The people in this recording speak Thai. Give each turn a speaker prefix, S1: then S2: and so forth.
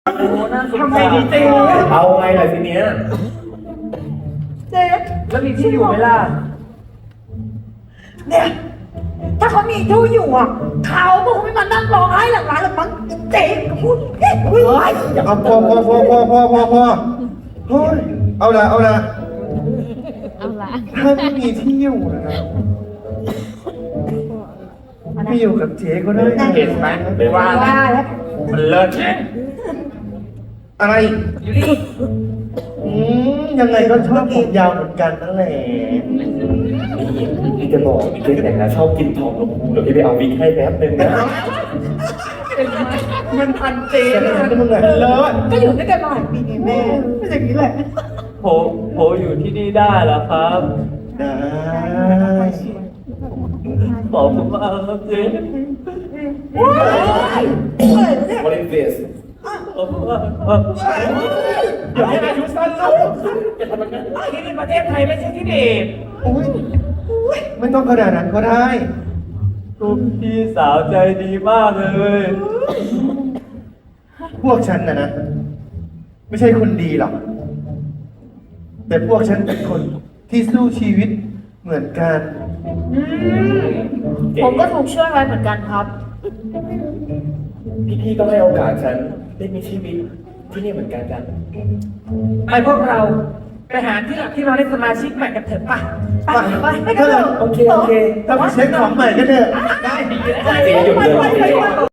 S1: ทำไมดีเจ๊เอาไงล่ะทีเนี้ย
S2: เจ๊
S1: แล้วมีที่อยู่ไหมล่ะ
S2: เนี่ยถ้าเขามีที่อยู่อ่ะเขาคงไม่มานั่งร้องไห้หลังร้านหรอกมั้งเจ๊พูดเฮ้ย
S3: อย่าเอาพอเฮ้ยเอาละถ้าไม่มีที่อยู่นะครับไม่อยู่กับเจ๊ก็ได้
S1: เห็นไหมไม่ว่านะมันเลิศไง
S3: อะไรยังไงก็ชอบผมยาวเหมือนกันนั่นแหละ
S1: พี่จะบอกพี่เจ๊แต่งงานชอบกินทองหลวงปู่เดี๋ยวพี่ไปเอาวิกให้แป๊บนึงนะมันพันเจ๊
S3: ก็มึงเลยเลิศ
S2: ก็อยู่ด้วยกันมาหลายปีไงแม่ไม่อย่างนี้แหละ
S1: ผมอยู่ที่นี่ได้แล้วครับ
S3: ได้
S1: ขอบคุณมากครับเจ๊ What is this อย่าให้อายุสั้นลูกอย่าทำแบบนั้นที่นี่ประเทศไทยไม่ใช่ที่เด็ก
S3: ไม่ต้องขนาดนั้นก็ได้
S1: คุณพี่สาวใจดีมากเลย
S3: พวกฉันนะไม่ใช่คนดีหรอกแต่พวกฉันเป็นคนที่สู้ชีวิตเหมือนกัน
S2: ผมก็ถูกช่วยไว้เหมือนกันครับ
S1: พี่ก็ให้โอกาสฉันได้มีชีวิตที่นี่เหมือนกันจ้ะ
S4: ไปพวกเราไปหาที่หลักที่เราได้สมาชิกใหม่กันเถอะป่ะ
S2: ไปกันเถอะ
S1: โอเค
S3: ถ้าไปเช็คของใหม่ก็เถอะ
S4: ได้ดีเลย
S1: เจ๊หยุดเลย